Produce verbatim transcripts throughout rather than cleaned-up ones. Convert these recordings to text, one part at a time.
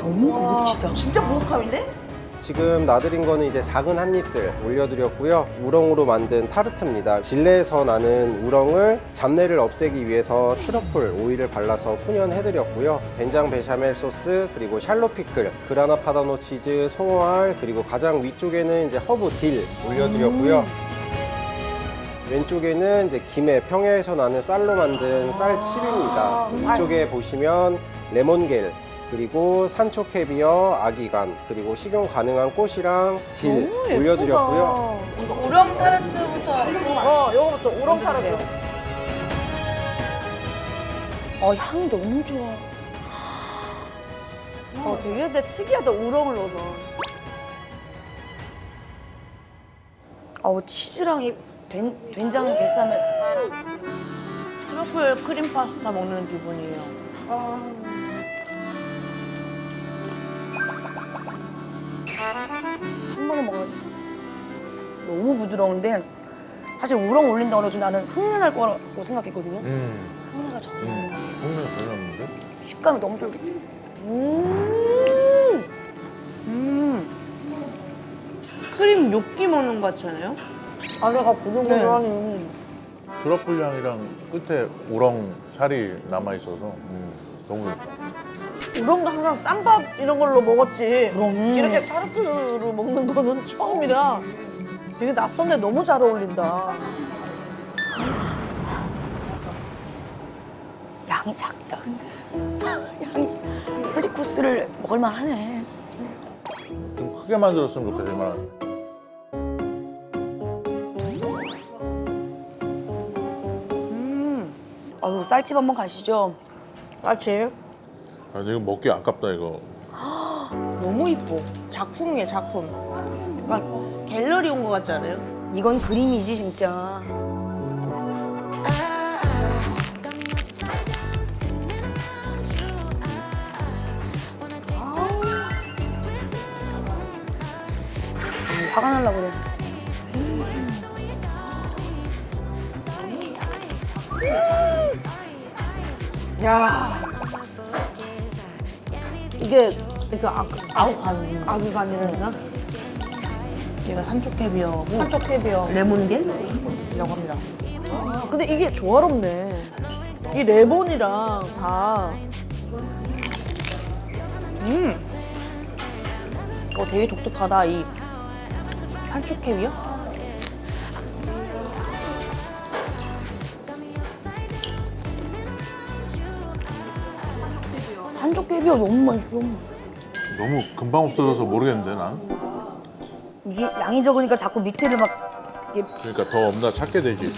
너무 고급지다. 진짜 보석함인데? 지금 놔드린 거는 이제 작은 한 입들 올려드렸고요. 우렁으로 만든 타르트입니다. 진레에서 나는 우렁을 잡내를 없애기 위해서 트러플 오일을 발라서 훈연해드렸고요. 된장 베샤멜 소스, 그리고 샬롯 피클, 그라나 파다노 치즈, 송어알, 그리고 가장 위쪽에는 이제 허브 딜 올려드렸고요. 왼쪽에는 이제 김해 평야에서 나는 쌀로 만든 쌀칩입니다. 위쪽에 보시면 레몬겔, 그리고 산초 캐비어, 아기간, 그리고 식용 가능한 꽃이랑 딜 올려드렸고요. 이거 우렁 타르트부터. 어, 요거부터 우렁 타르트. 어, 향이 너무 좋아. 어, 되게 근데 특이하다, 우렁을 넣어서. 어우, 치즈랑 이 된, 된장 베사멜. 트러플 크림 파스타 먹는 기분이에요. 한 번에 먹어야 돼. 너무 부드러운데 사실 우렁 올린다고 그래서 나는 흙내 날 거라고 생각했거든요. 음, 흙내가 전혀 안 음. 나요. 콩는 전혀 없는데? 식감이 너무 쫄깃해. 음. 음. 크림 요끼 먹는 것 같잖아요? 안에가 보들보들하니. 트러플 향이랑 끝에 우렁 살이 남아있어서 음, 너무 좋다. 우렁도 항상 쌈밥 이런 걸로 먹었지. 그럼. 이렇게 타르트로 먹는 거는 처음이라 되게 낯선데 너무 잘 어울린다. 양이 작다 근데. 양이 쓰리 코스를 먹을만 하네. 좀 크게 만들었으면 좋겠어, 이만. 아유, 쌀집 한번 가시죠. 맞지? 아, 근데 이거 먹기 아깝다, 이거. 너무 이뻐. 작품이에요, 작품. 약간 갤러리 온 것 같지 않아요? 이건 그림이지 진짜. 화가 날라 그래. 야 이게 이거 아, 아우간 아그간이라나? 얘가 산초 캐비어고 산초 캐비어 레몬겔이라고 합니다. 아, 근데 이게 조화롭네. 이 레몬이랑 다. 음. 어 되게 독특하다 이 산초 캐비어. 산적개비가 너무 맛있어. 너무 금방 없어져서 모르겠는데, 난? 이게 양이 적으니까 자꾸 밑에를 막 이게 그러니까 더 없나 찾게 되지.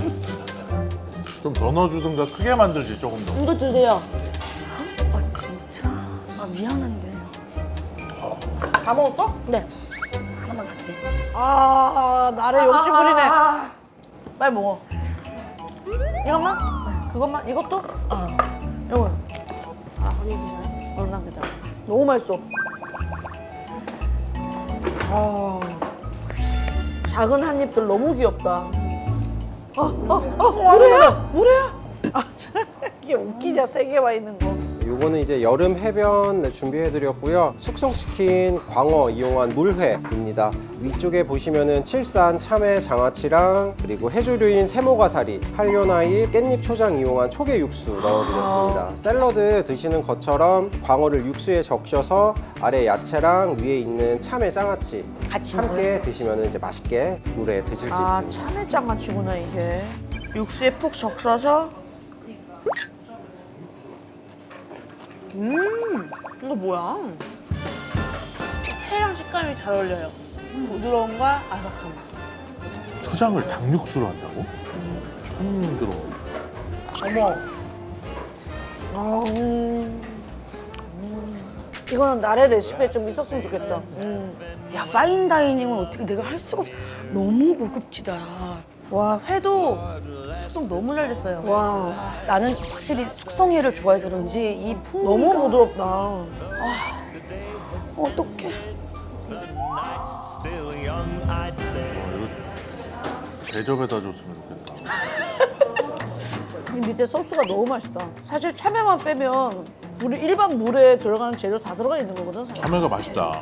좀 더 넣어주든가 크게 만들지, 조금 더. 이거 드세요. 아 진짜 아 미안한데 다 먹었어? 네 하나만 같이. 아, 나를 욕심 부리네. 빨리 먹어. 이것만? 그것만? 이것도? 어. 이거. 아, 허리 괜찮아? 어, 난 괜찮아. 너무 맛있어. 아, 작은 한 입들 너무 귀엽다. 어, 어, 어, 뭐래야? 뭐래야? 아, 참, 이게 웃기냐, 세 개 와 있는 거. 요거는 이제 여름 해변 네, 준비해드렸고요. 숙성시킨 광어 이용한 물회입니다. 위쪽에 보시면은 칠산 참외 장아찌랑 그리고 해조류인 세모가사리, 한려나이, 깻잎 초장 이용한 초계 육수 넣어드렸습니다. 샐러드 드시는 것처럼 광어를 육수에 적셔서 아래 야채랑 위에 있는 참외 장아찌 같이 함께 드시면 이제 맛있게 물에 드실 수 아, 있습니다. 참외장아찌구나, 이게. 육수에 푹 적셔서. 음, 이거 뭐야? 회랑 식감이 잘 어울려요. 부드러움과 아삭함. 초장을 닭육수로 한다고? 처음 들어. 어머. 아, 음. 음. 이거는 나의 레시피에 좀 있었으면 좋겠다. 음. 야 파인다이닝은 어떻게 내가 할 수가 없. 너무 고급지다. 와, 회도 숙성 너무 잘 됐어요. 와, 나는 확실히 숙성회를 좋아해서 그런지 이 풍미가 너무 부드럽다. 어떡해. 대접에다 줬으면 좋겠다. 이 밑에 소스가 너무 맛있다. 사실 참외만 빼면 우리 일반 물에 들어가는 재료 다 들어가 있는 거거든. 사실. 참외가 맛있다.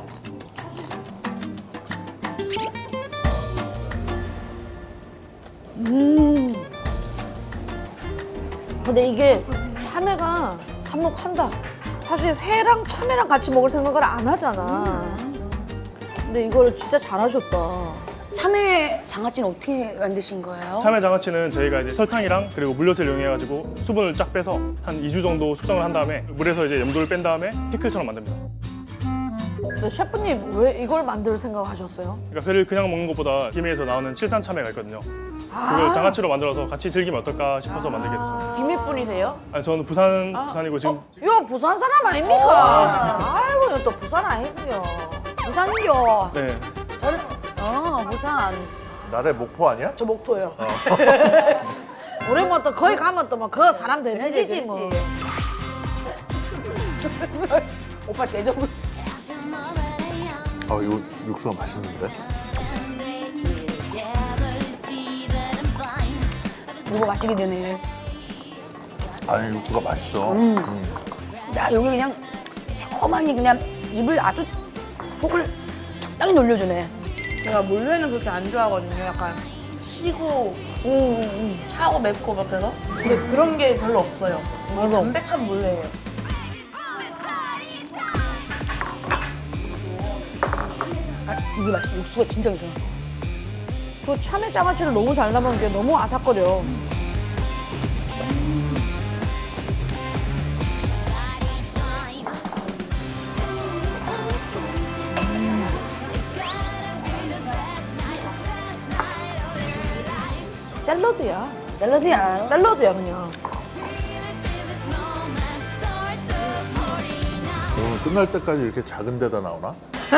근데 이게 참외가 한몫한다. 사실 회랑 참외랑 같이 먹을 생각을 안 하잖아. 근데 이걸 진짜 잘하셨다. 참외 장아찌는 어떻게 만드신 거예요? 참외 장아찌는 저희가 이제 설탕이랑 그리고 물엿을 이용해가지고 수분을 쫙 빼서 한 이 주 정도 숙성을 한 다음에 물에서 이제 염도를 뺀 다음에 피클처럼 만듭니다. 근데 셰프님 왜 이걸 만들 생각하셨어요? 그러니까 회를 그냥 먹는 것보다 김해에서 나오는 칠산 참외가 있거든요. 그걸 장아찌로 만들어서 같이 즐기면 어떨까 싶어서 만들게 됐어요. 김해 분이세요? 아니, 저는 부산 부산이고 지금 이거 부산 사람 아닙니까? 아이고 이거 또 부산 아니고요. 부산교. 네. 저는 어 부산. 나래 목포 아니야? 저 목포예요. 우리 뭐 또 거기 가면 또 뭐 그 사람 되는지지 뭐. 오빠 대접을. 아 이거 육수가 맛있는데? 이거 마시게 되네. 아니 육수가 맛있어. 음. 음. 야 여기 그냥 새콤하니 그냥 입을 아주 속을 적당히 놀려주네. 제가 물회는 그렇게 안 좋아하거든요. 약간 시고 차고 맵고 같아서. 근데 그런 게 별로 없어요. 이게 담백한 물회예요. 아, 이게 맛있어. 육수가 진짜 괜찮아. 그 참외 장아찌를 너무 잘 담은 게 너무 아삭거려. 샐러드야. 샐러드야. 샐러드야 그냥. 오늘 끝날 때까지 이렇게 작은 데다 나오나?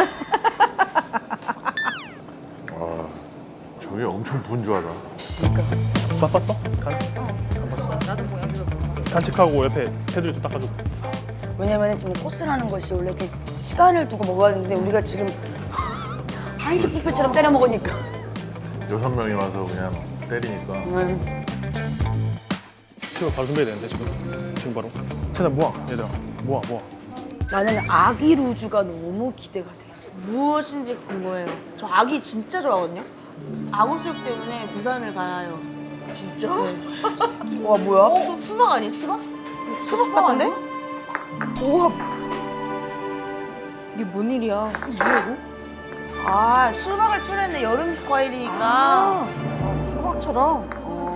아 저게 엄청 분주하다. 맛봤어? 간? 안 봤어. 나도 뭐 간직하고 옆에 테두리 좀 닦아주고. 왜냐면 지금 코스라는 것이 원래 좀 시간을 두고 먹어야 되는데 우리가 지금 한식 뷔페처럼 때려 먹으니까. 여섯 명이 와서 그냥 때리니까. 음. 지금 바로 준비해야 되는데 지금 지금 바로. 최대한 모아 얘들아 모아 모아. 나는 아기 루즈가 너무 기대가 돼. 무엇인지 궁금해요. 저 아기 진짜 좋아하거든요. 아구수육 때문에 부산을 가요. 진짜? 와 뭐야? 어? 수박 아니에요? 수박? 수박 같은데? 우와. 이게 뭔 일이야? 뭐야 이거? 아, 수박을 틀었는데 여름 과일이니까. 아, 수박처럼.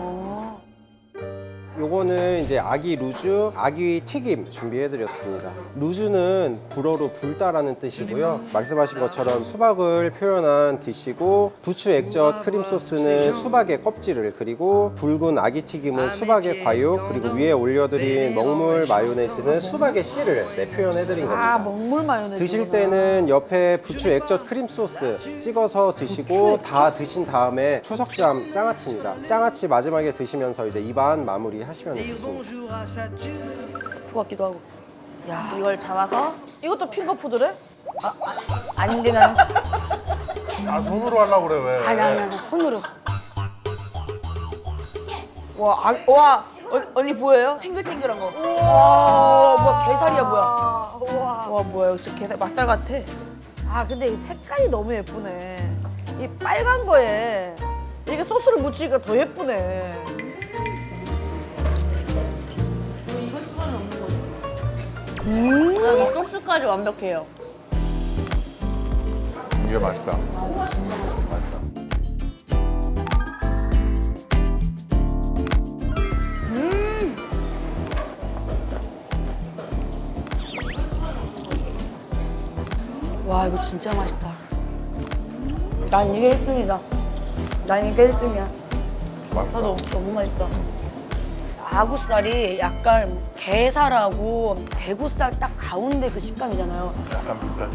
요거는 이제 아기 루즈, 아기 튀김 준비해드렸습니다. 루즈는 불어로 불다라는 뜻이고요. 말씀하신 것처럼 수박을 표현한 디시고 부추 액젓 크림 소스는 수박의 껍질을, 그리고 붉은 아기 튀김은 수박의 과육, 그리고 위에 올려드린 먹물 마요네즈는 수박의 씨를 네, 표현해드린 겁니다. 아 먹물 마요네즈. 드실 때는 옆에 부추 액젓 크림 소스 찍어서 드시고 다 드신 다음에 초석잠 장아찌입니다. 장아찌 마지막에 드시면서 이제 입안 마무리 하시면 되겠습니다. 스프 같기도 하고. 야 이걸 잡아서 이것도 핑거푸드래? 아닌데 나는 아 손으로 하려고 그래 왜? 아니 아니 아니 손으로. 와, 아, 와 어, 언니 보여요? 탱글탱글한 거. 와 뭐야 게살이야 뭐야? 아, 우와. 와 뭐야 역시 게살 맛살 같아. 아 근데 이 색깔이 너무 예쁘네. 이 빨간 거에 이게 소스를 묻히니까 더 예쁘네. 음. 소스까지 완벽해요. 이게 맛있다. 맛있다. 와 이거 진짜 맛있다. 난 이게 일 등이다. 난 이게 일 등이야. 맛있다. 나도 너무 맛있다. 아구살이 약간 게살하고 대구살 딱 가운데 그 식감이잖아요. 약간 비슷하지.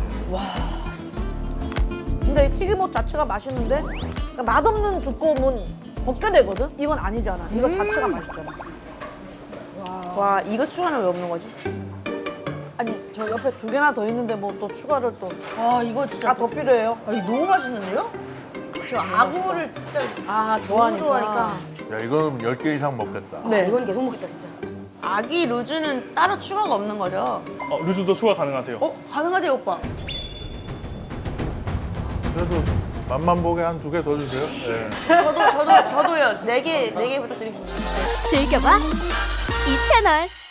근데 이 튀김옷 자체가 맛있는데 그러니까 맛없는 두꺼움은 벗겨내거든? 이건 아니잖아. 이거 자체가 맛있잖아. 와 이거 추가는 왜 없는 거지? 아니 저 옆에 두 개나 더 있는데 뭐 또 추가를 또. 와 이거 진짜 아 더 필요해요? 아, 이거 너무 맛있는데요? 저 아구를 진짜 아 너무 좋아하니까. 좋아하니까. 야 이거는 열 개 이상 먹겠다. 네. 이건 계속 먹겠다 진짜. 아기 루즈는 따로 추가가 없는 거죠? 어, 루즈도 추가 가능하세요. 어? 가능하대요, 오빠. 그래도 맛만 보게 한 두 개 더 주세요. 네. 저도, 저도, 저도요. 네 개, 네 개 부탁드리겠습니다. 즐겨봐 이 채널.